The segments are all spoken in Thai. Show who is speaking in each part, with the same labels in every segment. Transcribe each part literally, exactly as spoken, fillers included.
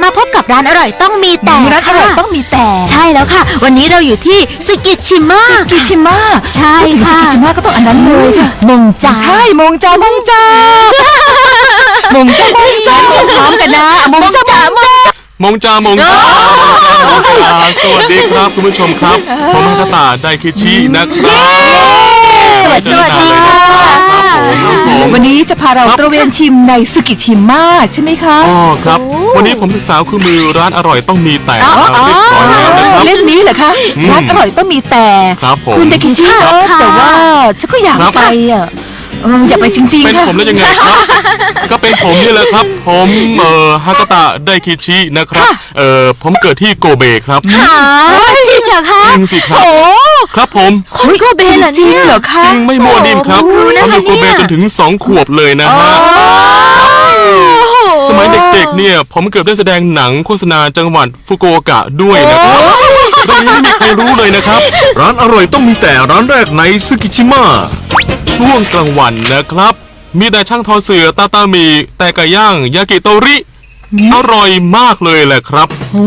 Speaker 1: มาพบกับร้านอร่อยต้องมีแต่
Speaker 2: ร้านอร่อยต้องมีแต่
Speaker 1: ใช่แล้วค่ะวันนี้เราอยู่ที่ซึกิชิมะ
Speaker 2: ซึกิชิมะ
Speaker 1: ใช่ค่ะ
Speaker 2: ซึกิชิมะก็ต้องอันนั้นเลยค่ะ
Speaker 1: มงจา
Speaker 2: ใช่มงจามงจามงจามงจาพร้อมกันนะมงจามงจาม
Speaker 3: งจามงจาสวัสดีครับคุณผู้ชมครับผมฮัตตาไดคิชินะครับ
Speaker 1: สวัสดีค่ะ
Speaker 2: วันนี้จะพาเราตระเวนชิมในซึกิชิมะใช่ไหมคะ
Speaker 3: อ๋อครับวันนี้ผมศึกษาคู่มือร้านอร่อยต้องมีแต่เรียบร้อยแล้วนะครับ
Speaker 2: เล่มนี้เหรอคะร้านอร่อยต้องมีแต่คุณไดคิชิแต่ว่าฉันก็อยากไปอ่ะอยากไปจริงๆ
Speaker 3: เป็นผมแล้วยังไงครับก็เป็นผมนี่แหละครับผมเอ่อฮัตตาไดคิชินะครับเอ่อผมเกิดที่โกเบครับ
Speaker 1: จริงเหรอคะ
Speaker 3: จริงสิครับครับผม
Speaker 1: คนโกเบเหรอเนี่ย
Speaker 2: จริงเหรอคะ
Speaker 3: จริงไม่มั่วนิ่มครับผมอยู่โกเบจนถึงสองขวบเลยนะฮะสมัยเด็กๆเนี่ยผมเกือบได้แสดงหนังโฆษณาจังหวัดฟุกุโอกะด้วยนะครับตรงนี้ไม่มีใครรู้เลยนะครับ
Speaker 4: ร้านอร่อยต้องมีแต่ร้านแรกในซึกิชิมะ
Speaker 3: ช่วงกลางวันนะครับมีแต่ช่างทอเสือตาตามีแต่ไก่ย่างยากิโตริอร่อยมากเลยแหละครับ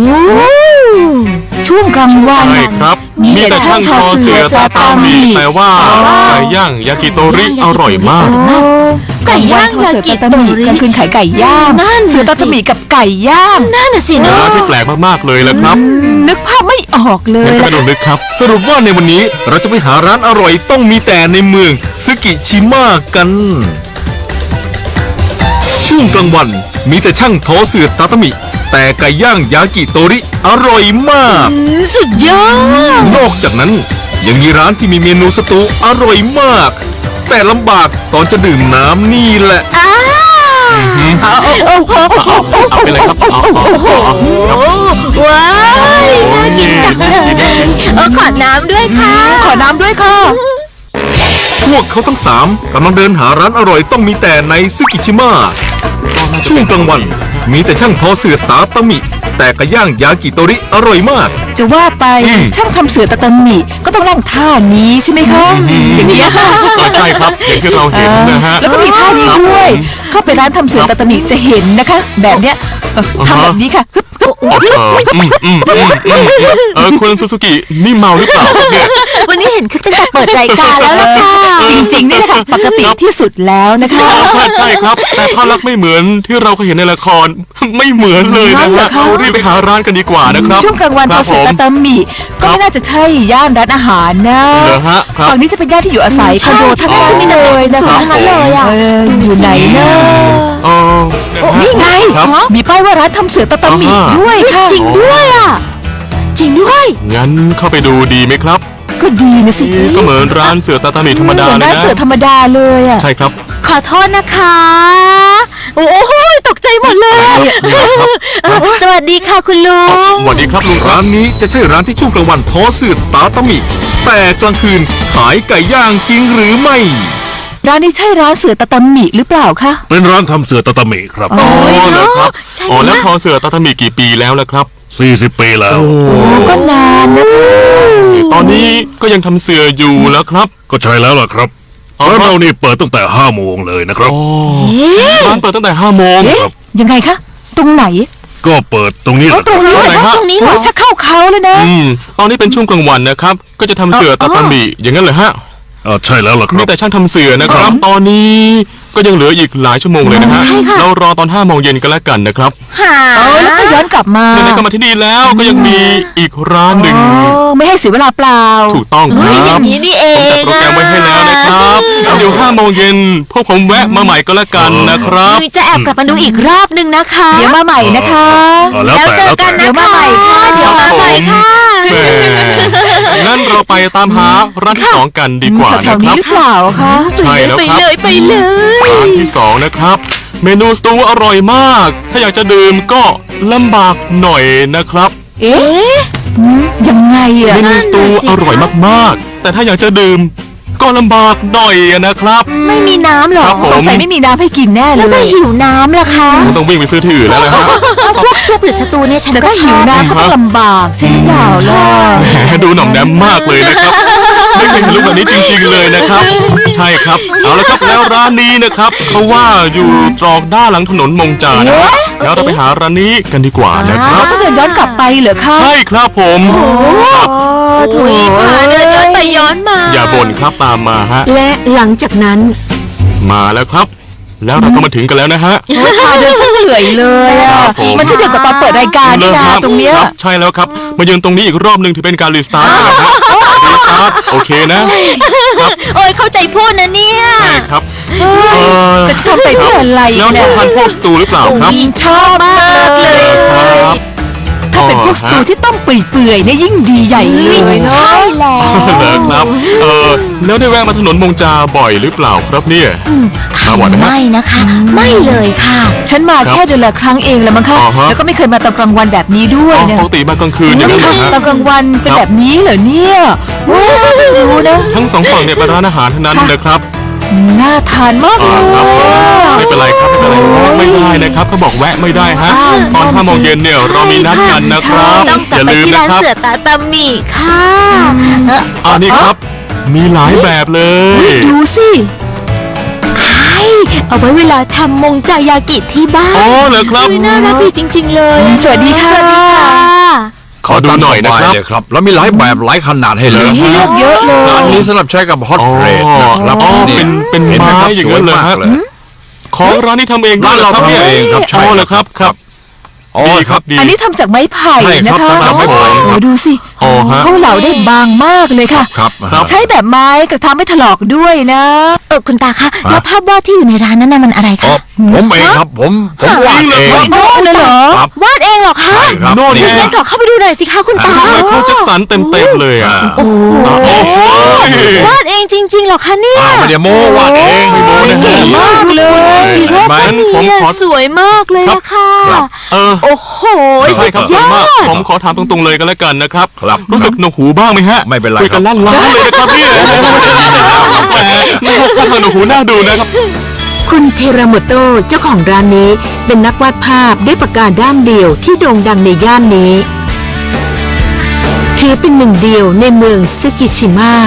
Speaker 2: ช่วงกลางวัน
Speaker 3: ใช่ครับมีแต่ช่างทอเสือตาตามีแต่ว่าไก่ย่างยากิโตริอร่อยมาก
Speaker 1: ไก่ย่างยากิโตริ
Speaker 2: กลางคืนขายไก่ย่างเสือตาตามีกับไก่ย่าง
Speaker 1: นั่นน่ะสิ
Speaker 3: เนื้อที่แปลกมากๆเลยแหละครับ
Speaker 2: นึกภาพไม่ออกเลย
Speaker 3: ไม่ต้องนึกครับ
Speaker 4: สรุปว่าในวันนี้เราจะไปหาร้านอร่อยต้องมีแต่ในเมืองซึกิชิมะกันช่วงกลางวันมีแต่ช่างทอเสือตาตามิแต่ไก่ย่างยากิโตริอร่อยมาก
Speaker 1: สุดยอด
Speaker 4: นอกจากนั้นยังมีร้านที่มีเมนูสตูอร่อยมากแต่ลำบากตอนจะดื่มน้ำนี่แหละ
Speaker 3: เอาไปเลยครับ
Speaker 1: ว้าวน่ากินจังเลยเออขอน้ำด้วยค่ะ
Speaker 2: ขอน้ำด้วยค่ะ
Speaker 4: พวกเขาทั้งสามกำลังเดินหาร้านอร่อยต้องมีแต่ในซึกิชิมะช่วงกลางวันมีแต่ช่างทอเสือตาตามิแต่ไก่ย่างยากิโตริอร่อยมาก
Speaker 2: จะว่าไปช่างทำเสือตาตามิก็ต้องนั่งท่านี้ใช่ไหมคะอย่างนี้ค่ะ
Speaker 3: ใช่ครับอย่างที่เราเห็นนะฮะ
Speaker 2: แล้วก็มีท่านี้ด้วยเข้าไปร้านทำเสือตาตามิจะเห็นนะคะแบบเนี้ยทำแบบนี้ค่ะ
Speaker 3: เออคุณซูซูกินี่เมาหรือเปล่าเนี่ย
Speaker 1: วันนี้เห็นคือตั้งแต่เปิดรายการแล้วล่ะค่ะ
Speaker 2: จริงๆนี่นะคะปกติที่สุดแล้วนะคะ
Speaker 3: ใช่ครับแต่ภาพลักษณ์ไม่เหมือนที่เราเคยเห็นในละครไม่เหมือนเลยนะฮะรีบไปหาร้านกันดีกว่านะครับ
Speaker 2: ช่วงกลางวันทอเสือตาตามิก็ไม่น่าจะใช่ย่านร้านอาหารนะฝั่งนี้จะเป็นย่านที่อยู่อาศัยคอนโดทั้งนั้นเลยนะคะ
Speaker 1: ทั้งนั้นเลยอ่ะ
Speaker 2: อยู่ไหนนะนี่ไงมีป้ายว่าร้านทำเสือตาตามิด้วยค่ะ
Speaker 1: จริงด้วยอ่ะจริงด้วย
Speaker 3: งั้นเข้าไปดูดีไหมครับ
Speaker 2: ก็ดีนะสิ
Speaker 3: ก็เหมือนร้านเสือตาตามิธรรมดาเลยนะ
Speaker 2: ร้านเสือธรรมดาเลยอ่ะ
Speaker 3: ใช่ครับ
Speaker 1: ขอโทษนะคะโอ้โหตกใจหมดเลยสวัสดีค่ะคุณลุง
Speaker 3: สวัสดีครับลุง
Speaker 4: ร้านนี้จะใช่ร้านที่ช่วงกลางวันทอเสือตาตามิแต่กลางคืนขายไก่ย่างจริงหรือไม่
Speaker 2: ร้านนี้ใช่ร้านเสือตาตามิหรือเปล่าคะ
Speaker 4: เป็นร้านทำเสือตาตามิครับ
Speaker 3: อ๋อเหรอครับอ๋อแล้วทอเสือตาตามิกี่ปีแล้วล่ะครับ
Speaker 4: สี่สิบปีแล้ว
Speaker 2: โอ้ก็นานนะ
Speaker 3: ตอนนี้ก็ยังทำเสืออยู่แล้วครับ
Speaker 4: ก็ใช่แล้วล่ะครับร้านเรานี่เปิดตั้งแต่ห้าโมงเลยนะครับ
Speaker 3: ร้านเปิดตั้งแต่ห้าโมง
Speaker 2: ครับยังไงคะตรงไหน
Speaker 4: ก็เปิดตรงนี้
Speaker 2: ตรงนี้เหรอตรงนี้เหรอชักเข้าเขาเลยนะ
Speaker 3: อืมตอนนี้เป็นช่วงกลางวันนะครับก็จะทำเสือตาตามิอย่างนั้นเลยฮะ
Speaker 4: อ๋อใช่แล้วล่ะครับ
Speaker 3: มีแต่ช่างทำเสือนะครับตอนนี้ก็ยังเหลืออีกหลายชั่วโมงเลยนะฮะเรารอตอนห้าโมงเย็นกันแล้วกันนะครับ
Speaker 1: หา
Speaker 2: แล้วก็ย้อนกลับมา
Speaker 3: ไหนๆก็มาที่นี่แล้วก็ยังมีอีกร้านหนึ่ง
Speaker 2: ไม่ให้เสียเวลาเปล่า
Speaker 3: ถูกต้องครับ
Speaker 1: อย่างนี้นี่เอง
Speaker 3: ผมจัดโปรแกรมไว้ให้แล้วนะครับเดี๋ยวห้าโมงเย็นพวกผมแวะมาใหม่ก็แล้วกันนะครับ
Speaker 1: จะแอบกลับมาดูอีกรอบนึงนะคะ
Speaker 2: เดี๋ยวมาใหม่นะคะ
Speaker 1: แล้วเจอกันนะ
Speaker 2: เดี๋ยวมาใหม่ค่ะ
Speaker 1: เดี๋ยวมาใหม่ค่ะ
Speaker 3: งั้นเราไปตามหาร้านที่สองกันดีกว่านะครับ
Speaker 2: หรือเปล่าคะ
Speaker 3: ใช่แล้วครับ
Speaker 1: ไปเลยไปเลย
Speaker 3: ร้านที่สองนะครับเมนูสตูอร่อยมากถ้าอยากจะดื่มก็ลำบากหน่อยนะครับ
Speaker 2: เอ๊ะยังไงอะ
Speaker 3: เมนูสตูอร่อยมากๆแต่ถ้าอยากจะดื่มก็ลำบากหน่อยนะครับ
Speaker 1: ไม่มีน้ำหรอ
Speaker 2: สงสัยไม่มีน้ำให้กินแน่เลย
Speaker 1: แล้วถ้าหิวน้ำล่ะคะ
Speaker 3: ต้องวิ่งไปซื้อที่อื่นแล้วนะฮะ
Speaker 1: พวกซุปหรือสตูเนี่ยฉันก็
Speaker 2: หิวน้ำก็ต้องลำบากใช่หรือเปล่าล่ะ
Speaker 3: ดูหน่อมแนมมากเลยนะครับไม่เคยเห็นรูปแบบนี้จริงๆเลยนะครับ ใช่ครับเอาละครับแล้วร้านนี้นะครับเขาว่าอยู่ตรอกด้านหลังถนนมงจานะครับแล้วเราไปหาร้านนี้กันดีกว่านะครับ
Speaker 2: ต้องเดินย้อนกลับไปเหรอคะ
Speaker 3: ใช่ครับผมครับ
Speaker 1: ถุยมาเดินย้อนไปย้อนมา
Speaker 3: อย่าบ่นครับตามมาฮะ
Speaker 1: และหลังจากนั้น
Speaker 3: มาแล้วครับ แล้วเราก็มาถึงกันแล้วนะฮะ
Speaker 2: โอ้ยพาเดินซะเหนื่อยเลยอะ
Speaker 3: ครับผม
Speaker 2: มันที่เดียวกับตอนเปิดรายการนี่นะตรงเนี้ย
Speaker 3: คบใช่แล้วครับ มายืนตรงนี้อีกรอบหนึ่งถือเป็นการรีสตาร์ทนะฮะรีสตาร์ทโอเคนะ
Speaker 1: โอ้ยเข้าใจพูดนะเนี่ย
Speaker 3: ใช่ครับเออ
Speaker 2: แต่จะทำไปเพื่ออะไร
Speaker 3: แล้วช
Speaker 2: เนี่
Speaker 3: อย บทานพวกสตูหรือเปล่าครับ
Speaker 2: ชอบมากเลย
Speaker 3: ครับ
Speaker 2: ถ้าเป็นพวกสตูที่ต้มเปื่อยๆเนี่ยยิ่งดีใหญ่เลยเนาะ
Speaker 1: ใช่แล้ว
Speaker 3: เหรอครับ เออแล้วได้แวะมาถนนมงจาบ่อยหรือเปล่าครับเนี่ยมาบ่อยไหมฮะ
Speaker 1: ไม่นะคะ ไม่เลยค่ะ
Speaker 2: ฉันมาแค่เดือนละครั้งเองแหละมั้งคะ
Speaker 3: อ๋อฮะ
Speaker 2: แล้วก็ไม่เคยมาตอนกลางวันแบบนี้ด้วย
Speaker 3: อ๋อ
Speaker 2: เนี่ย
Speaker 3: ปกติมากลางคืนอย่างนั้นเหรอฮะ
Speaker 2: ตอนกลางวันเป็นแบบนี้เหรอเนี่ยว้าวไม่รู้นะ
Speaker 3: ทั้งสองฝั่งเนี่ยเป็นร้านอาหารทั้งนั้นนะครับ
Speaker 2: น่าทานมาก
Speaker 3: อ่า
Speaker 2: เลย
Speaker 3: ครับไม่เป็นไรครับไม่เป็นไรแวะไม่ได้นะครับเขาบอกแวะไม่ได้ฮะ
Speaker 2: อ้าว
Speaker 3: ตอนห้าโมงเย็นเนี่ยเรามีนัดกันนะครับ
Speaker 1: ต้องก
Speaker 3: อ
Speaker 1: ลับ
Speaker 3: ย่า
Speaker 1: ไป
Speaker 3: ลืม
Speaker 1: ที่
Speaker 3: นะ
Speaker 1: ร้าน
Speaker 3: ครับ
Speaker 1: เสือตาตาหมีค่ะเอ่อ
Speaker 3: อันนี้ครับ มีหลายแบบเลย
Speaker 2: ดูสิ
Speaker 1: ใช่เอาไว้เวลาทำมงจายากิที่บ้าน
Speaker 3: อ๋อเหรอครับ
Speaker 1: อุ๊ยน่ารักดีจริง ๆ เลย
Speaker 2: สวัสดีค่ะ
Speaker 1: สวัสดีค่ะ
Speaker 3: ขอดูหน่อยนะครับ
Speaker 5: เลยครับ แล้วมีหลายแบบหลายขนาดให้เลือก
Speaker 2: มีให้เลือกเยอะเลย
Speaker 5: ร้านนี้สำหรับใช้กับฮอต
Speaker 3: อ๋อ
Speaker 5: เรดนะครับ
Speaker 3: อ๋อ
Speaker 5: นี่
Speaker 3: เป็นเป็น
Speaker 5: ห็ห
Speaker 3: ไม้
Speaker 5: ครับ
Speaker 3: อย่างนั้นเลย
Speaker 5: สวม
Speaker 3: ฮะ
Speaker 5: กเลย
Speaker 3: ของร้านนี้ทำเองด้วย
Speaker 5: ร้านเรา
Speaker 3: หอคบ
Speaker 5: ทำเองครับ
Speaker 3: นี่ย
Speaker 5: ใช่
Speaker 3: อ๋อเหรอครับครับ
Speaker 5: อ๋อ
Speaker 3: ดีครับดี
Speaker 2: อันนี้ทำจากไม้ไผ่
Speaker 5: ใช่
Speaker 2: นะครับ คะ
Speaker 5: ทำจากไม้ไผ่
Speaker 2: โอ้ดูสิ
Speaker 3: อ๋อฮะ
Speaker 2: เขาเหลาได้บางมากเลยค่ะ
Speaker 5: ครับ
Speaker 3: ครับ
Speaker 2: ใช้แบบไม้กระทำไม่ถลอกด้วยนะ
Speaker 1: เออคุณตาคะแล้วภาพวาดที่อยู่ในร้านนั้นน่ะมันอะไร
Speaker 5: อ๋อ
Speaker 1: คะ
Speaker 5: ผมเองครับผมผมวาดเอง
Speaker 2: โอ้เลยเหรอ
Speaker 5: ครับ
Speaker 1: วาดเองเหรอคะ
Speaker 5: ใช่ครับ
Speaker 3: โน่น
Speaker 5: นี่
Speaker 3: ไง
Speaker 1: งั้นขอเข้าไปดูหน่อยสิคะคุณตา
Speaker 3: ไมเคิลแจ็คสันเต็มเต็มๆเลยอ่ะ
Speaker 5: โอ้
Speaker 3: โอ้โห
Speaker 1: วาดเองจริงๆเหรอคะเนี่ย
Speaker 5: อ่าไม่ได้โม้วาดเองไม่โม้นะ
Speaker 2: เก่งมากเลย
Speaker 1: จิโร่
Speaker 3: งั้
Speaker 1: ก็
Speaker 3: น
Speaker 1: มี
Speaker 3: ผม
Speaker 1: อะ
Speaker 3: ขอ
Speaker 1: สวยมากเลยอะค่ะ
Speaker 3: เออ
Speaker 1: โอ้โห
Speaker 3: ใช่
Speaker 1: สุด
Speaker 3: ครับ
Speaker 1: ย
Speaker 3: ส่วน
Speaker 1: อ
Speaker 3: มาก
Speaker 1: ด
Speaker 3: ผมขอถามตรงๆเลยก็แล้วกันนะครับ
Speaker 5: ครับ
Speaker 3: รู้สึกหนวกหูบ้างไหมฮะ
Speaker 5: ไม่เป็นไร
Speaker 3: คุยกัน
Speaker 5: ครับ
Speaker 3: ลั่นล้านเลยนะครับพี่แหมถ้าทางหนวกหูน่าดูนะครับ
Speaker 6: คุณเทราโมโตะเจ้าของร้านนี้เป็นนักวาดภาพด้วยปากกาด้ามเดียวที่โด่งดังในย่านนี้ ถือเป็นหนึ่งเดียวในเมืองซึกิชิมะ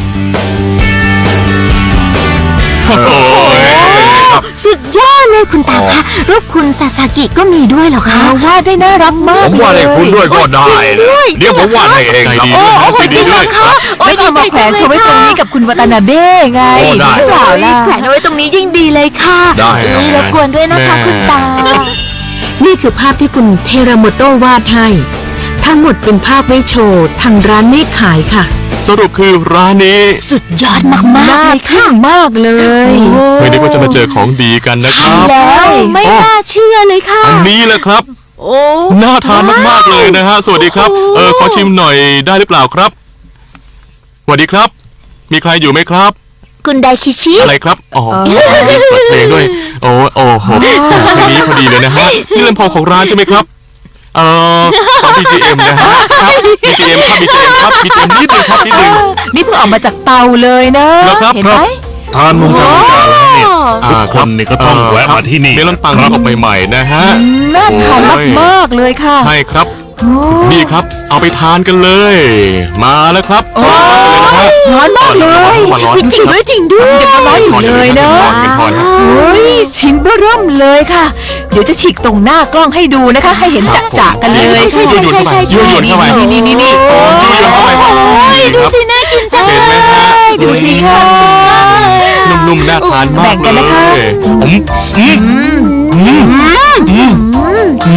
Speaker 1: สุดยอดเลยคุณตาคะรูปคุณซาซากิก็มีด้วยเหรอคะ
Speaker 2: วาดได้น่ารักมาก
Speaker 5: ผมวาดให้คุณด้วยก็ได้
Speaker 1: จริงด้
Speaker 5: นะ
Speaker 1: วย
Speaker 5: เดี๋ยวผมวาดให้เอง
Speaker 3: ใจ
Speaker 5: ครับ
Speaker 3: ดีด้วยนะใจดีด้วย
Speaker 2: ไม่เอามาแขวนโชว์ไว้ตรงนี้กับคุณวัตนาเบ้ไง
Speaker 5: โอ้ได้
Speaker 2: หรือเปล่าล่ะ
Speaker 1: แขวนเอาไว้ตรงนี้ยิ่งดีเลยค่ะ
Speaker 5: ได้ครับ
Speaker 1: รบกวนด้วยนะคะคุณตา
Speaker 6: นี่คือภาพที่คุณเทราโมโตะวาดให้ ทั้งหมดเป็นภาพไว้โชว์ทางร้านไม่ขายค่ะ
Speaker 3: สรุปคือร้านนี้
Speaker 1: สุดยอดมากๆ
Speaker 2: น่า
Speaker 1: เลยค่ะ
Speaker 2: ทึ่งมากเลย
Speaker 3: ไม่นึกว่าจะมาเจอของดีกันนะครับ
Speaker 1: แล้วไม่น่าเชื่อเลยค่ะ
Speaker 3: อันนี้แหละครับ
Speaker 1: โอ้
Speaker 3: น่าทานมากๆเลยนะฮะ สวัสดีครับ เออขอชิมหน่อยได้หรือเปล่าครับ สวัสดีครับ มีใครอยู่ไหมครับ
Speaker 1: คุณไดคิชิ
Speaker 3: อะไรครับ อ๋อมีเปิดเพลงด้วย โอ้โอ้โหเพลงนี้พอดีเลยนะฮะ นี่ลำโพงของร้านใช่ไหมครับ เอ่อขอ บี จี เอ็ม นะฮะ ครับ บี จี เอ็ม ครับ บี จี เอ็ม ครับ บี จี เอ็ม นิดนึงครับนิดนึง
Speaker 2: นี่เพิ่งออกมาจากเตาเลยนะ
Speaker 3: แล้วครับ
Speaker 2: เห็นไหม
Speaker 5: ทานมุงจามุงจาแล้วเนี่ย ทุกคนนี่ก็ต้องแวะมาที่นี่
Speaker 3: เมลอนปัง
Speaker 5: ครับ
Speaker 3: ออกใหม่ๆนะฮะ
Speaker 2: น่าทานมากๆเลยค่ะ
Speaker 3: ใช่ครับ
Speaker 2: โอ้
Speaker 3: นี่ครับ เอาไปทานกันเลย มาแล้วครับ
Speaker 2: โอ้ยร้อนมากเลย
Speaker 3: ร้อนร้อน
Speaker 1: จริงด้วยจริงด้วย
Speaker 2: ยังร้อนอยู่เลยนะ
Speaker 3: ร้อนเป็นพอนะ
Speaker 2: เฮ้ยชิ้นเบ้อเริ่มเลยค่ะ เดี๋ยวจะฉีกตรงหน้ากล้องให้ดูนะคะ ให้เห็นจะๆกันเลย
Speaker 1: ใช่ใช่ใช่ใช่ใช่
Speaker 3: ยั่วยวนเข้าไป
Speaker 2: นี่นี่นี่
Speaker 3: โอ้ยยั่วยวนเข้าไป
Speaker 1: ดูสิน่ากินจัง
Speaker 3: เห็นไหมฮะ
Speaker 2: ดูสิค่ะ
Speaker 3: นุ่มๆน่าทานมาก
Speaker 2: แบ่ง
Speaker 3: เล
Speaker 2: กันนะคะ
Speaker 3: ยผมอืมอืมอืมอื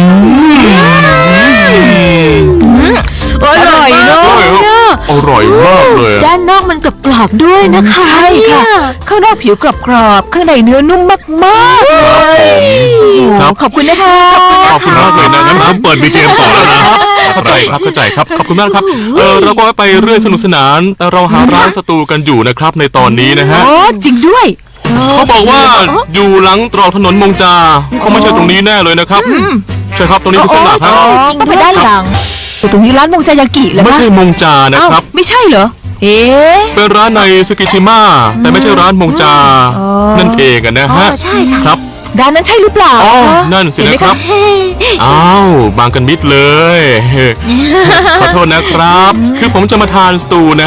Speaker 3: ม
Speaker 1: อร่อยเนาะ
Speaker 3: อร่อยมากเลย
Speaker 1: ด้านนอกมันกรอบๆด้วยนะคะ
Speaker 2: ใช่ค่ะ ข้างนอกผิวกรอบๆข้างในเนื้อนุ่มมากๆเลย
Speaker 3: ครับ
Speaker 2: ขอบคุณนะคะ
Speaker 3: ขอบคุณมากเลยนะงั้นผมเปิด
Speaker 5: บี จี เอ็ม ต่อแล้วนะ
Speaker 3: เข้าใจครับเข้าใจครับขอบคุณมากครับเออเราก็ไปเรื่อยสนุกสนาน แต่เราหาร้านสตูกันอยู่นะครับในตอนนี้นะฮะ
Speaker 2: โอ้จริงด้วย
Speaker 3: เขาบอกว่าอยู่หลังตรอกถนนมงจาเขาไม่ใช่ตรงนี้แน่เลยนะครับใช่ครับตรงนี้เป็นเส้นหลักครับ
Speaker 2: ต้องไปด้านหลังแต่ตรงนี้ร้านมงจายากิเหรอ
Speaker 3: ไม่
Speaker 2: คะ
Speaker 3: ใช่มงจานะครับ
Speaker 2: อ้าวไม่ใช่เหรอ เอ๊ะ
Speaker 3: เป็นร้านในซึกิชิมะแต่ไม่ใช่ร้านมงจา
Speaker 2: อ๋อ
Speaker 3: นั่นเองอะนะ
Speaker 1: อ๋อ
Speaker 3: ฮะ
Speaker 1: ใช่ค่ะ
Speaker 3: ครับ
Speaker 2: ร้านนั้นใช่หรือเปล่า
Speaker 3: อ๋อ
Speaker 2: คะ
Speaker 3: นั่นสิ
Speaker 2: เห็ไหม
Speaker 3: นะครับ อ้าวบางกันมิดเลย ขอโทษนะครับ คือผมจะมาทานสตูนะฮะ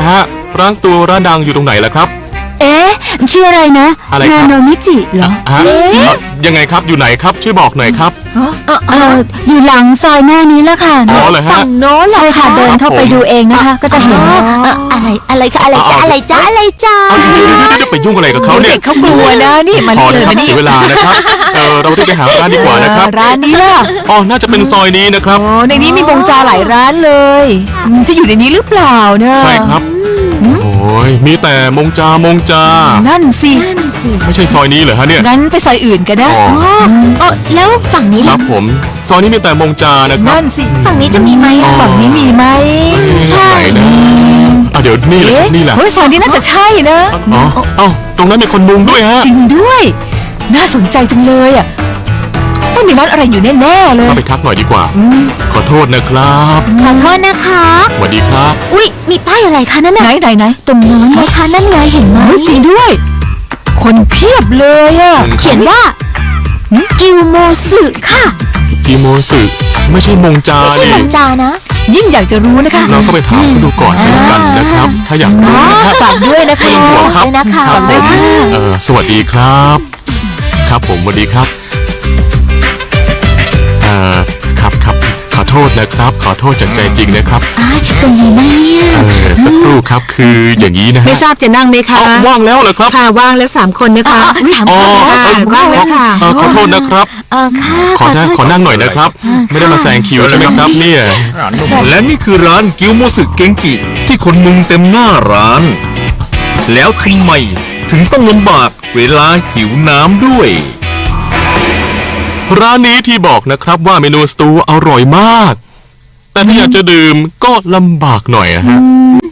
Speaker 3: ร้านสตูร้านดังอยู่ตรงไหนล่ะครับ
Speaker 1: เอ๊ะชื่ออะไรนะ
Speaker 3: อะไรครับ
Speaker 1: นาโนมิจิเหรอ
Speaker 3: ฮะเอ่อยังไงครับอยู่ไหนครับช่วยบอกหน่อยครับ
Speaker 1: เอออยู่หลังซอยหน้านี้แล้วค่ะ
Speaker 3: อ๋อเหรอฮะ
Speaker 1: ฝั่งโน้นใช่ค่ะเดินเข้าไปดูเองนะคะ ก็จะเห็นอะไรอะไรคะอะไรจ้าอะไรจ้าอะไรจ้า
Speaker 3: เอาเดี๋ยวเดี๋ยวเดี๋ยวเดี๋ยวไปยุ่งอะไรกับเขาเนี่ย
Speaker 2: เด็กเขากลัวนะนี่มา
Speaker 3: พอ
Speaker 2: เล
Speaker 3: นะ
Speaker 2: ย
Speaker 3: ครับ
Speaker 2: มานี่
Speaker 3: เสียเวลานะครับเออเรารีบไปหาร้านดีกว่านะครับ
Speaker 2: ร้านนี้ล่ะ
Speaker 3: อ๋อน่าจะเป็นซอยนี้นะครับ
Speaker 2: โอ้ในนี้มีบงจาหลายร้านเลยอืมจะอยู่ในนี้หรือเปล่าเนอะ
Speaker 3: ใช่ครับโอ้ยมีแต่มงจามงจา
Speaker 2: นั่นสิ
Speaker 1: นั่นสิ
Speaker 3: ไม่ใช่ซอยนี้เหรอฮะเนี่ย
Speaker 2: งั้นไปซอยอื่นกันนะ
Speaker 3: อ๋อ
Speaker 1: อ๋อแล้วฝั่งนี้
Speaker 3: ค
Speaker 1: ล่ะ
Speaker 3: รับผมซอยนี้มีแต่มงจานะครับ
Speaker 2: นั่นสิ
Speaker 1: ฝั่งนี้จะมีไหมอะ
Speaker 2: ฝั่งนี้มีไหม
Speaker 1: ใช่
Speaker 3: ไหนนะอ่ะเดี๋ยวนี่แหละ
Speaker 2: เอ๊ะ
Speaker 3: นี่แหละ
Speaker 2: เฮ้ยซอยนี้น่าจะใช่นะ
Speaker 3: อ๋อเอ้าตรงนั้นมีคนมุงด้วยฮะ
Speaker 2: จริงด้วย น่าสนใจจังเลยอ่ะต้องมีร้านอะไรอยู่แน่ๆเลย
Speaker 3: เข้าไปทักหน่อยดีกว่า ขอโทษนะครับ
Speaker 1: ขอโทษนะคะ
Speaker 3: สวัสดีครับ
Speaker 1: อุ๊ยมีป้ายอะไรคะนั่น
Speaker 2: ไหน
Speaker 1: น่ะ
Speaker 2: ไหนไหน
Speaker 1: ตรงโน้นไหมคะนั่นไงเห็นไหม
Speaker 2: เฮ้ยจริงด้วย คนเพียบเลยอ่ะ
Speaker 1: เขียนว่ากิวโมสึค่ะ
Speaker 3: กิโมสึไม่ใช่มงจา
Speaker 1: ไม่ใช่
Speaker 3: ดิ
Speaker 1: หลังจานะ
Speaker 2: ยิ่งอยากจะรู้นะคะ
Speaker 3: เราก็ไปถามเขาดูก่อนแล้วกันนะครับ ถ้าอยากรู้นะครับ
Speaker 2: ฝากด้วยนะคะ
Speaker 3: ไม่ต้องห่วงครับ
Speaker 1: ด้วยนะคะ
Speaker 3: ครับผม
Speaker 1: ค่ะ
Speaker 3: เออสวัสดีครับ ครับผมสวัสดีครับเอ่อครับครับขอโทษนะครับ ขอโทษจากใจจริงนะครับ
Speaker 1: อ้ายตรงนี้นะเนี่ย
Speaker 3: เออสักครู่ครับคืออย่างนี้นะฮะ
Speaker 6: ไม่ทราบจะนั่งไหมคะ
Speaker 3: เอ้าว่างแล้วเหรอครับ
Speaker 6: ค่ะว่างแล้วสามคนนะคะ
Speaker 1: สาม
Speaker 3: อ๋อ
Speaker 1: คน
Speaker 6: ค่ะว่างแล้วค่ะ
Speaker 3: เออขอโทษนะครับ
Speaker 1: เออค่ะ
Speaker 3: ขอนั่งขอนั่งหน่อยนะครับ ไม่ได้มาแซงคิวใช่ไหมครับเนี่ย
Speaker 4: และนี่คือร้านกิวโมสึเกงกิที่คนมุงเต็มหน้าร้าน แล้วทำไมถึงต้องลำบากเวลาหิวน้ำด้วย
Speaker 3: ร้านนี้ที่บอกนะครับว่าเมนูสตูอร่อยมาก แต่ถ้าอยากจะดื่มก็ลำบากหน่อยอะฮะ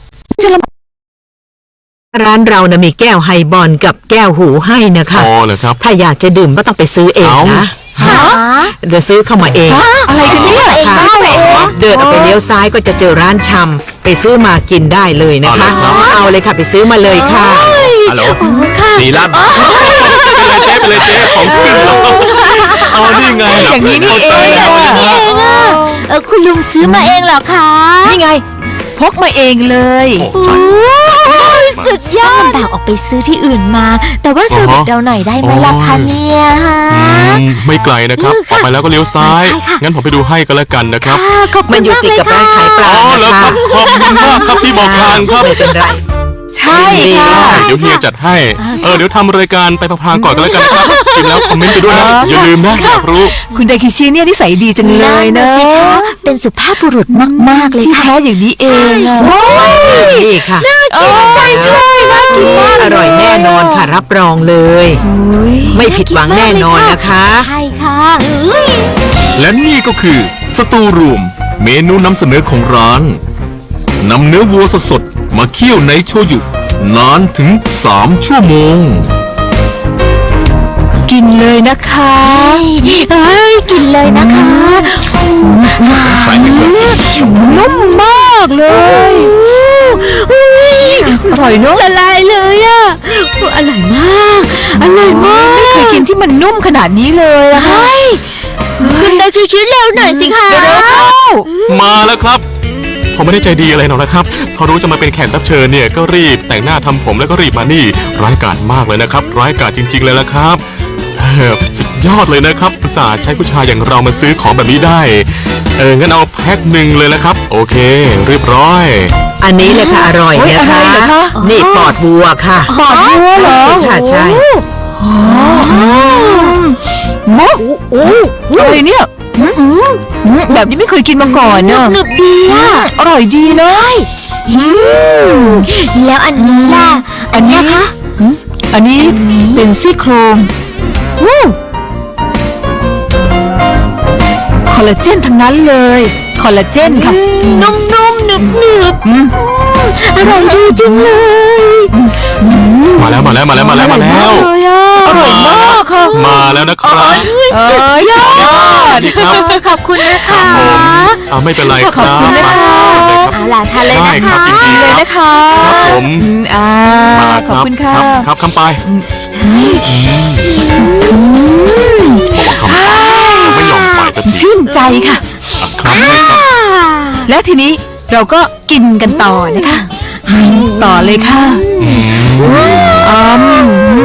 Speaker 6: ร้านเรานะมีแก้วไฮบอลกับแก้วหูให้นะคะ
Speaker 3: พอเหรอครับ
Speaker 6: ถ้าอยากจะดื่มก็ต้องไปซื้อเอง
Speaker 3: เอ้า
Speaker 6: นะ
Speaker 1: หา
Speaker 6: เดี๋ยวซื้อเข้ามาเอง
Speaker 2: อะไรกันเนี่ย
Speaker 1: เอง
Speaker 6: ค่ะ
Speaker 1: ซื้อเอง
Speaker 6: เดินออกไปเลี้ยวซ้ายก็จะเจอร้านชำไปซื้อมากินได้เลยนะคะ เอาเลยค่ะไปซื้อมาเลยค่ะ
Speaker 4: ฮัลโหลสี่ล้าน
Speaker 3: ไปเลยเจ๊ไปเลยเจ๊ของขึ้นแล้วเอานี่ไง
Speaker 2: อย่างนี้นี่เองอะ
Speaker 1: เองอ่ะเออคุณลุงซื้อมาเองเหรอคะ
Speaker 2: นี่ไง พกมาเองเลย
Speaker 1: โอ้ยสุดยอดลำบากออกไปซื้อที่อื่นมา แต่ว่าเซอร์วิสเราหน่อยได้ไหมล่ะคะเนี่ยฮะ
Speaker 3: อืมไม่ไกลนะครับ
Speaker 1: อืม
Speaker 3: ออกไปแล้วก็เลี้ยวซ้าย
Speaker 1: ใช่ค่ะ
Speaker 3: งั้นผมไปดูให้ก็แล้วกันนะครับ
Speaker 1: ค่ะขอบคุ
Speaker 6: มัน
Speaker 1: ณ
Speaker 6: อยู่
Speaker 1: มาก
Speaker 6: ติด
Speaker 1: เลย
Speaker 6: กับ
Speaker 1: ค่ะ
Speaker 6: ร้านขายปลา
Speaker 3: อ๋อแล้ว
Speaker 6: นะ
Speaker 3: ครั
Speaker 6: คะ
Speaker 3: บขอบคุณมากครับที่บอกทางครับ
Speaker 6: ไม่เป็นไร
Speaker 2: ใช่ค่ะ
Speaker 3: เดี๋ยวเฮียจัดให้ เออเดี๋ยวทำรายการไปพลางๆก่อนก็แล้วกันนะครับชิมแล้วคอมเมนต์ไปด้วยนะ อย่าลืมนะอยากรู้
Speaker 2: คุณไดคิชิเนี่ยนิสัยดีจังเลยนะ
Speaker 1: สิคะเป็นสุภาพบุรุษมากๆเลย
Speaker 2: ที่
Speaker 1: ค่ะ
Speaker 2: แท้อย่างนี้เองอะ
Speaker 6: นี่ค่ะ
Speaker 2: ใช่ใช่น่ากินมาก
Speaker 6: อร่อยแน่นอนค่ะรับรองเลย ไม่ผิดหวังแน่นอนนะคะ
Speaker 1: ใช่ค่ะอุ้ย
Speaker 4: และนี่ก็คือสตูรูมเมนูนำเสนอของร้านนำเนื้อวัวสดๆมาเคี่ยวในโชยุนานถึงสามชั่วโมง
Speaker 2: กินเลยนะคะ
Speaker 1: เอ้ยกินเลยนะคะ
Speaker 2: นุ่มมากเลยอุ๊ยอร่อยเนอะ
Speaker 1: ละลายเลยอ่ะโอ้อร่อยมากอร่อยมาก
Speaker 2: ไม่เคยกินที่มันนุ่มขนาดนี้เลยอะค่ะ
Speaker 1: เฮ้ยคุณตาคิวชิ้นเร็วหน่อยสิคะ
Speaker 3: มาแล้วครับ ผมไม่ได้ใจดีอะไรหรอกนะครับ พอรู้จะมาเป็นแขกรับเชิญเนี่ยก็รีบแต่งหน้าทำผมแล้วก็รีบมานี่ ร้ายกาจมากเลยนะครับ ร้ายกาจจริง ๆ เลยละครับเออสุดยอดเลยนะครับอุตส่าห์ใช้ผู้ชายอย่างเรามาซื้อของแบบนี้ได้ เอองั้นเอาแพ็คหนึ่งเลยละครับ โอเค เรียบร้อย
Speaker 6: อันนี้เลยค่ะอร่อย
Speaker 2: โอ้ย
Speaker 6: นะ
Speaker 2: อะไร
Speaker 6: คะ
Speaker 2: เหรอคะ
Speaker 6: นี่ปอดวัวค่ะ
Speaker 2: ปอดวัวเหรอ
Speaker 6: ค่ะใช่
Speaker 2: มะอะไรเนี่ยแบบนี้ไม่เคยกินมาก่อนเนอะ
Speaker 1: หนึบดีอ่ะ
Speaker 2: อร่อยดีเลย
Speaker 1: อืมแล้วอันนี้ล่ะ อันเนี้ยคะ
Speaker 2: อันนี้เป็นซี่โครงวู้คอลลาเจนทั้งนั้นเลย คอลลาเจนค่ะ
Speaker 1: นุ่มๆหนึบหนึบๆอืมอร่อยดีจังเลย
Speaker 3: มาแล้วมาแล้วมาแล้วมาแล้วมาแล้ว
Speaker 2: อร่อยมากค่ะ
Speaker 3: มาแล้วนะครับ
Speaker 2: เอ้ยสุดยอด
Speaker 3: ดีครับ
Speaker 1: ขอบคุณนะคะ
Speaker 3: ผมเอาไม่เป็นไรครับ
Speaker 2: ขอบคุณนะคะ
Speaker 3: มาเลยครับ
Speaker 1: เอาล่ะทานเลย
Speaker 3: ได้
Speaker 1: นะ
Speaker 3: ครั
Speaker 1: คะ
Speaker 3: บยินดี
Speaker 2: เลย
Speaker 3: ครับ
Speaker 2: นะคะ
Speaker 3: ครับผม
Speaker 2: อืมอ่า
Speaker 3: มา
Speaker 2: ขอบคุณค่ะ
Speaker 3: รับครับคำไปบอกว่าคำไปไม่ยอมไปสักที
Speaker 2: ชื่นใจค่ะ
Speaker 3: ครับใช่ครับ
Speaker 2: แล้วทีนี้เราก็กินกันต่อนะคะต่อเลยค่ะอืม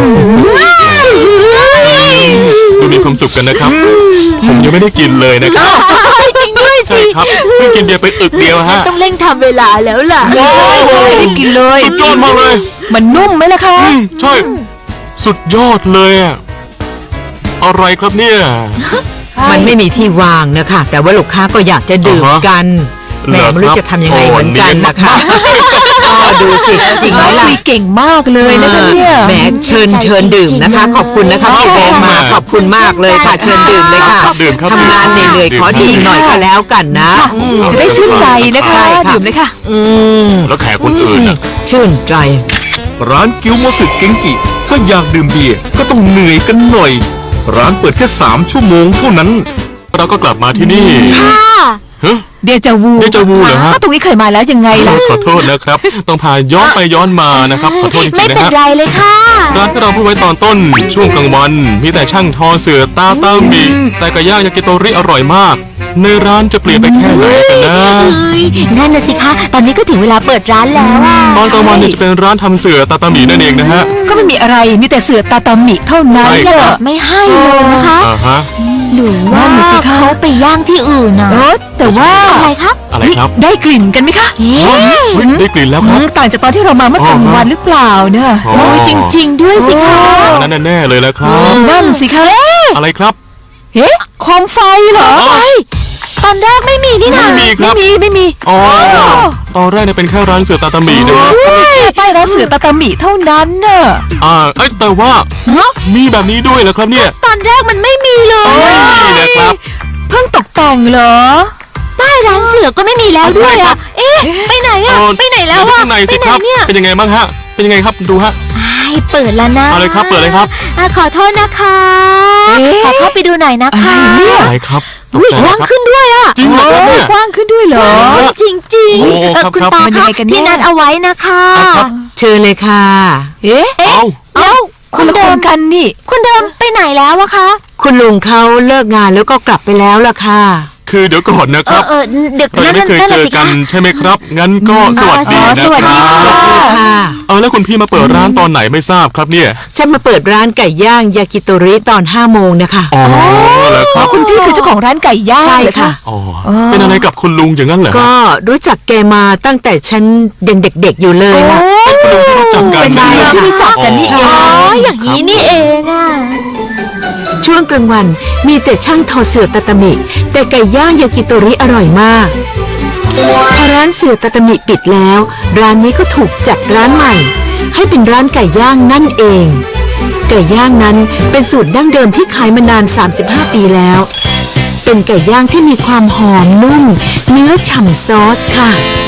Speaker 3: ดูมีความสุขกันนะครับ ผมยังไม่ได้กินเลยนะครับ
Speaker 1: จริงด้วย
Speaker 3: ใช่
Speaker 1: สิ
Speaker 3: ครับเพิ่งกินเบียร์ไปอึกเดียวฮะ
Speaker 1: ต้องเร่งทำเวลาแล้วล่ะ
Speaker 2: ใช่ใช่ได้กินเลย
Speaker 3: สุดยอดมากเลย
Speaker 2: มันนุ่มไหมล่ะคะ
Speaker 3: อืมใช่ สุดยอดเลยอะอะไรครับเนี่ย
Speaker 6: มันไม่มีที่วางนะคะ แต่ว่าลูกค้าก็อยากจะดื่ม
Speaker 3: อ่าฮะ
Speaker 6: กันแหม
Speaker 3: เหรอ
Speaker 6: ไม่รู้
Speaker 3: ครับ
Speaker 6: จะทำยังไงเหมือนกัน
Speaker 3: โอ้
Speaker 6: นะคะอ๋อดูสิจริงไหมล่ะ
Speaker 2: คุยเก่งมากเลยนะคะเนี่ย
Speaker 6: แหมเชิญเชิญดื่มนะคะ ขอบคุณนะคะที่แวะมาขอบคุณมากเลยค่ะ เชิญดื่มเลยค่ะ
Speaker 3: ครับดื่มครับ
Speaker 6: ทำงานเหนื่อยๆขอดื่มหน่อยก็แล้วกันนะอืม
Speaker 2: จะได้ชื่นใจนะคะ
Speaker 6: ใช่ค่ะ
Speaker 2: ดื่มเลยค่ะ
Speaker 6: อืม
Speaker 3: แล้วแขกคนอื่นอะ
Speaker 6: ชื่นใจ
Speaker 4: ร้านกิวโมสึเกงกิ ถ้าอยากดื่มเบียร์ก็ต้องเหนื่อยกันหน่อย ร้านเปิดแค่สามชั่วโมงเท่านั้น
Speaker 3: เราก็กลับมาที่นี่
Speaker 1: ค่ะ
Speaker 3: เฮ้ย
Speaker 2: เดจาวู
Speaker 3: เดจาวูเหรอฮะ
Speaker 2: ก็ตรงนี้เคยมาแล้วยังไงล่ะ
Speaker 3: ขอโทษนะครับ ต้องพาย้อนไปย้อนมานะครับ ขอโทษจริ
Speaker 1: ไม่
Speaker 3: งๆนะ
Speaker 1: เป็น
Speaker 3: ฮะ
Speaker 1: ไรเลยค่ะ
Speaker 3: ร้านที่เราพูดไว้ตอนต้นช่วงกลางวัน มีแต่ช่างทอเสือตาตามีแต่ไก่ย่างยากิโตริอร่อยมาก ในร้านจะเปลี่ยนไปแค่ไหนกันนะ
Speaker 1: เอ้ยนั่นน่ะสิคะ ตอนนี้ก็ถึงเวลาเปิดร้านแล้วอ่ะ
Speaker 3: ตอนกลางวันเนี่ยจะเป็นร้านทำเสือตาตามีนั่นเองนะฮะ
Speaker 2: ก็ไม่มีอะไรมีแต่เสือตาตามิเท่านั้น
Speaker 3: ใช่
Speaker 2: เน
Speaker 3: ครั
Speaker 2: อะ
Speaker 3: บ
Speaker 1: ไม่ให้เลยนะคะ
Speaker 3: อ่าฮะ
Speaker 1: หรือว่า
Speaker 2: นั่นน่ะสิคะ
Speaker 1: เขาไปย่างที่อื่นน่ะ
Speaker 2: เออแต่ว่า
Speaker 1: อะไรครับ
Speaker 3: อะไรครับ
Speaker 2: ได้กลิ่นกันไหมคะ
Speaker 1: เอ๊ะ
Speaker 3: เฮ้ยได้กลิ่นแล้วค
Speaker 2: อื
Speaker 3: รับ
Speaker 2: มต่างจากตอนที่เรามาเมื่อกลางวันหรือเปล่าเนอะ
Speaker 3: อ๋อ
Speaker 1: โอ้ยจริง ๆ ด้วยสิคะ
Speaker 3: อันนั้นแน่ๆเลยแล้วครับ
Speaker 2: นั่นสิคะ
Speaker 3: อะไรครับ
Speaker 2: เฮ้โคมไฟเหรอ
Speaker 3: อ๋อ
Speaker 1: ตอนแรกไม่มีนี่นะ
Speaker 3: ไม่มีค
Speaker 2: ไม่
Speaker 3: รับ
Speaker 2: มีไม่มี
Speaker 3: อ๋อตอนแรกเนี่ยเป็นแค่ร้านเสือตาตามีนะ
Speaker 2: แค่ป้ายร้านเสือตาตามิเท่านั้นเนอะ
Speaker 3: อ่าเอ้ยแต่ว่ามีแบบนี้ด้วยเหรอครับเนี่ย
Speaker 1: ตอนแรกมันไม่มีเลย
Speaker 3: ไม่มีนะครับ
Speaker 2: เพิ่งตกแต่งเหรอ
Speaker 1: ป้ายร้านเสือก็ไม่มีแล้วด้วยอ่ะ เอ๊ะ ไปไหนอ่ะ
Speaker 3: เออ
Speaker 1: ไปไหนแล้ว
Speaker 3: เดี๋ย
Speaker 1: อ่ะ
Speaker 3: ข้างใน
Speaker 1: ไป
Speaker 3: สิ
Speaker 1: ไหน
Speaker 3: ครับ
Speaker 1: เนี่ย
Speaker 3: เป็นยังไงบ้างฮะ เป็นยังไงครับดูฮะ
Speaker 1: ไอ้เปิดแล้วนะ
Speaker 3: เอาเลยครับเปิดเลยครับ
Speaker 1: อ่ะขอโทษนะคะ
Speaker 2: เอ๊ะ
Speaker 1: ขอเข้าไปดูหน่อยนะคะ
Speaker 2: อะไรเนี่ย
Speaker 3: อะไรครับตก
Speaker 1: อุ้ย
Speaker 3: ใจ
Speaker 1: กว้าง
Speaker 3: ครับ
Speaker 1: ขึ้นด้วยอ่ะ
Speaker 3: จริงเหรอครับเนี่ย
Speaker 2: กว้างขึ้นด้วยเหรอ
Speaker 3: เออ
Speaker 1: จริงจริงๆ
Speaker 3: โอ้
Speaker 1: เออ
Speaker 3: ครับ
Speaker 1: คุณ
Speaker 3: ครับ
Speaker 1: ตา
Speaker 2: มันยั
Speaker 1: คะ
Speaker 2: งไงกันแน่
Speaker 1: ที่นัดเอาไว้นะคะ
Speaker 3: อ่ะครับ
Speaker 6: เชิญเลยค่ะ
Speaker 2: เอ๊ะ
Speaker 3: เอ้า
Speaker 1: แล้ว
Speaker 2: คนละคนกันนี่
Speaker 1: คุณเดิมไปไหนแล้วอะคะ
Speaker 6: คุณลุงเขาเลิกงานแล้วก็กลับไปแล้วล่ะค่ะ
Speaker 3: คือเดี๋ยวก่อนนะ
Speaker 1: เอ
Speaker 3: ครั
Speaker 1: อบ เออเด็ก
Speaker 3: เรา
Speaker 1: นั่
Speaker 3: ยัง
Speaker 1: น
Speaker 3: ไม่เคย
Speaker 1: นั่น
Speaker 3: เจ
Speaker 1: น่ะ
Speaker 3: อ
Speaker 1: สิ
Speaker 3: กั
Speaker 1: คะ
Speaker 3: นใช่ไหมครับ งั้นก็สวัสดี
Speaker 2: อ๋อ
Speaker 3: นะ
Speaker 2: สวัส
Speaker 3: ค
Speaker 2: ดี
Speaker 3: รับ
Speaker 2: ค่ะ
Speaker 6: ค่ะ
Speaker 3: เออแล้วคุณพี่มาเปิดร้านตอนไหนไม่ทราบครับเนี่ย
Speaker 6: ฉันมาเปิดร้านไก่ย่างยากิโตริตอนห้าโมงนะคะ
Speaker 3: อ๋อแล้วครับ
Speaker 2: คุณพี่คือเจ้าของร้านไก่ย่าง
Speaker 6: ใช่
Speaker 2: เหรอ
Speaker 6: ค่ะ
Speaker 3: อ๋อเป็นอะไรกับคุณลุงอย่างนั้นเหรอฮะ
Speaker 6: ก็รู้จักแกมาตั้งแต่ฉันยังเด็กๆอยู่เลยนะ
Speaker 3: คุณลุงที่รู้จักกัน
Speaker 2: เป็น
Speaker 3: ใช่
Speaker 2: นาย
Speaker 3: ไหม
Speaker 2: ที่รู้จักกันนี่เอ
Speaker 1: อ๋
Speaker 2: ง
Speaker 1: ออย่างนี้นี่เองอะ
Speaker 6: ช่วงกลางวันมีแต่ช่างทอเสือตาตามิ แต่ไก่ย่างยากิโตริอร่อยมากพอร้านเสือตาตามิปิดแล้ว ร้านนี้ก็ถูกจัดร้านใหม่ ให้เป็นร้านไก่ย่างนั่นเอง ไก่ย่างนั้นเป็นสูตรดั้งเดิมที่ขายมานาน สามสิบห้า ปีแล้ว เป็นไก่ย่างที่มีความหอมนุ่ม เนื้อฉ่ำซอสค่ะ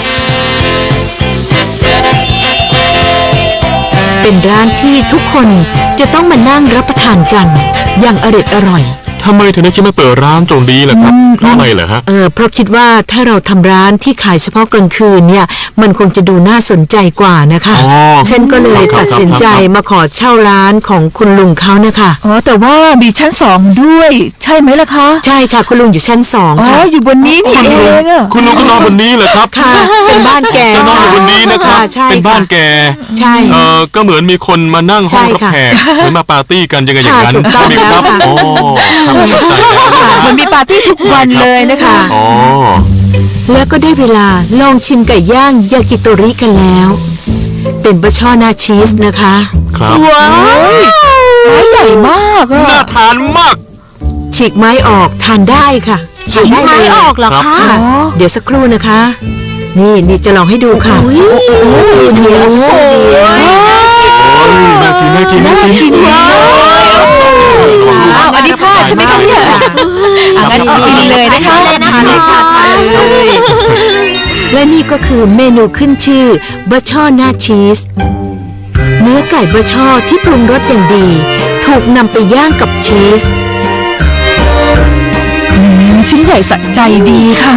Speaker 6: เป็นร้านที่ทุกคนจะต้องมานั่งรับประทานกัน อย่างอร็ดอร่อย
Speaker 3: ทำไมถึงได้คิดมาเปิดร้านตรงนี้ล่ะครับเพราะอะไรเหรอฮะ
Speaker 6: เออเพราะคิดว่าถ้าเราทำร้านที่ขายเฉพาะกลางคืนเนี่ย มันคงจะดูน่าสนใจกว่านะคะ
Speaker 3: อ๋อ
Speaker 6: ฉันก็เลย
Speaker 3: ครับ
Speaker 6: ตัดสินใจ
Speaker 3: ครับ
Speaker 6: มาขอเช่าร้านของคุณลุงเขานะคะ
Speaker 2: อ๋อแต่ว่ามีชั้นสองด้วย ใช่ไหมล่ะคะ
Speaker 6: ใช่ค่ะ คุณลุงอยู่ชั้นสอง
Speaker 2: อ๋อ
Speaker 6: ค่ะ
Speaker 2: อยู่บนนี้นี่เองอะ
Speaker 3: คุณลุงก็นอนบนนี้เหรอครับ
Speaker 6: ค่ะ เป็นบ้านแก
Speaker 3: ก็นอนอยู่บนนี้นะครับ
Speaker 6: ใช่
Speaker 3: เป็นบ้าน
Speaker 6: ค่ะ
Speaker 3: แก
Speaker 6: ใช่
Speaker 3: เออก็เหมือนมีคนมานั่งห้องรับ
Speaker 6: ใช่ค่ะ
Speaker 3: แขกเหมือนมาปาร์ตี้กันยังไงอย่างนั้น
Speaker 6: ค่ะถูกต้อง
Speaker 3: ใช่ไหมครับ
Speaker 6: แล้วค่ะ
Speaker 3: อ๋อครับเข้าใจแล้วนะ
Speaker 2: มันมีปาร์ตี้ทุกวันเลยนะคะ
Speaker 3: อ๋อ
Speaker 6: แล้วก็ได้เวลาลองชิมไก่ย่างยากิโตริกันแล้ว เป็นบะช่อหนาชีสนะคะ
Speaker 3: ครับ
Speaker 2: ว้าวไม้ใหญ่มากอะ
Speaker 3: น่าทานมาก
Speaker 6: ฉีกไม้ออกทานได้ค่ะ
Speaker 1: ฉีก
Speaker 6: ทาน
Speaker 1: ไม้
Speaker 6: ด้เลย
Speaker 1: ออกเหรอ
Speaker 3: ครับ
Speaker 1: คะ
Speaker 6: ค่ะเดี๋ยวสักครู่นะคะ นี่นี่จะลองให้ดูค่ะ
Speaker 1: อุ้ย
Speaker 6: นี่เอาสักครู่เดียว
Speaker 3: โอ้ยน่ากินน่ากินน่ากิน
Speaker 2: ว้าวอ้าวอันนี้พลาดใช่ไหมคะเนี่ยอ่ะงั้นกินเลยนะคะ
Speaker 1: เลยนะ
Speaker 6: ทานเลยค่ะทานเลย และนี่ก็คือเมนูขึ้นชื่อบะช่อหน้าชีส เนื้อไก่บะช่อที่ปรุงรสอย่างดี ถูกนำไปย่างกับชีส
Speaker 2: ชิ้นใหญ่สะใจดีค่ะ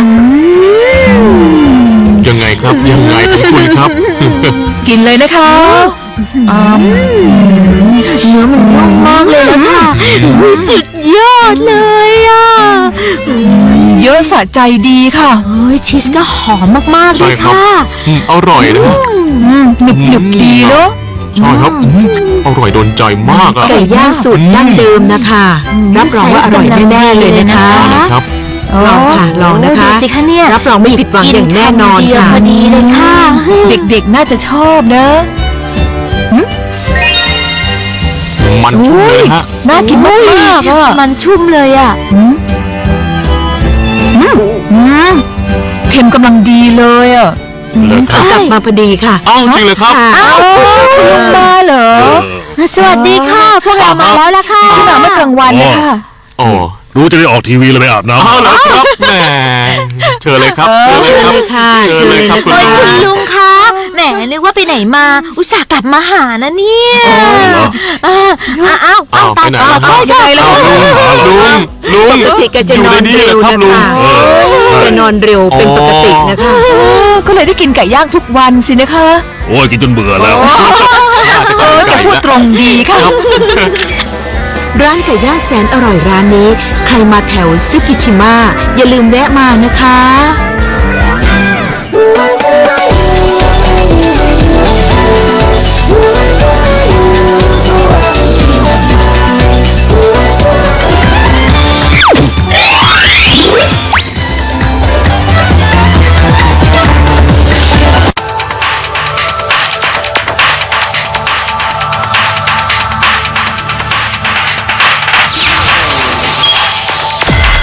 Speaker 3: ยังไงครับยังไงของคุณครับ
Speaker 2: กินเลยนะคะอ้าม
Speaker 1: เนื้อมันนุ่มมากเลยละค่ะอุ้ยสุดยอดเลยอ่ะ
Speaker 2: เยอะสะใจดีค่ะ
Speaker 1: เฮ้ยชีสก็หอมมากๆเล
Speaker 3: ใช่
Speaker 1: ย
Speaker 3: ครับ
Speaker 1: ค่ะ
Speaker 3: อืมอร่อยนะฮะ
Speaker 2: อืมหนึบหนึบๆดีเนาะ
Speaker 3: ใช่ครับอืมอร่อยโดนใจมากอ่ะ
Speaker 6: ไก่ย่างสูตรดั้งเดิมนะคะ รับรองว่าอร่อยแน่ๆเลยนะคะ
Speaker 3: เอาเลยครับ
Speaker 6: ลองค่ะลองนะคะ
Speaker 1: ดูสิคะเนี่ย
Speaker 6: รับรองไม่ผิดหวังอย่างแน่นอน
Speaker 1: กิ
Speaker 6: ค่ะ
Speaker 1: ำเดียวพอดีเลยค่ะ
Speaker 2: เด็กๆน่าจะชอบนะ
Speaker 3: มันชุ่มเลยฮะ
Speaker 2: น่ากินมากๆอ่ะ
Speaker 1: มันชุ่มเลยอ่ะ
Speaker 2: อืมเค็มกำลังดีเลยอ่ะ
Speaker 3: เลยครับ
Speaker 6: กลับมาพอดีค่ะ
Speaker 3: อ้าวจริงเลยครับ
Speaker 6: ค่ะ
Speaker 2: คุณลุงมาเหรอ
Speaker 1: สวัสดีค่ะ พวกเรามาแล้วล่ะค่ะ
Speaker 2: ที่มาเมื่อกลางวันนะคะ
Speaker 3: โอ้
Speaker 5: รู้จะได้ออกทีวีเลยไปอาบน้ำ
Speaker 3: เอาแล้วครับแหมเชิญเลยครับเชิญเลยครับ
Speaker 6: เชิญเลยค่ะ
Speaker 3: เชิญเลยครับคุณ
Speaker 1: โอ้ย
Speaker 3: ลุ
Speaker 1: คุณ
Speaker 3: ง
Speaker 1: ลุงคะแหมนึกว่าไปไหนมา อุตส่าห์กลับมาหานะเนี่ยเอออ้าวอ้าว
Speaker 3: อ้าวไป
Speaker 1: ตาย
Speaker 3: ไหน
Speaker 1: ตาย
Speaker 3: ล่ะค
Speaker 1: ตา
Speaker 3: รับ
Speaker 1: ยยังไงล่ะ
Speaker 3: ลุงลุง
Speaker 6: ปกติแกจะ
Speaker 3: อน ยู่
Speaker 6: อ
Speaker 3: ใน
Speaker 6: น
Speaker 3: นี้
Speaker 6: เร็
Speaker 3: เล
Speaker 6: วย
Speaker 3: ครับ
Speaker 6: นะ
Speaker 3: ลุง
Speaker 6: คะแกนอนเร็วเป็นปกตินะคะ
Speaker 2: เออก็เลยได้กินไก่ย่างทุกวันสินะคะ
Speaker 5: โอ้ยกินจนเบื่อแล้ว
Speaker 2: เออแต่พูดตรงดีค่ะ
Speaker 6: ร้านไก่ย่างแสนอร่อยร้านนี้ ใครมาแถวซึกิชิมะอย่าลืมแวะมานะคะ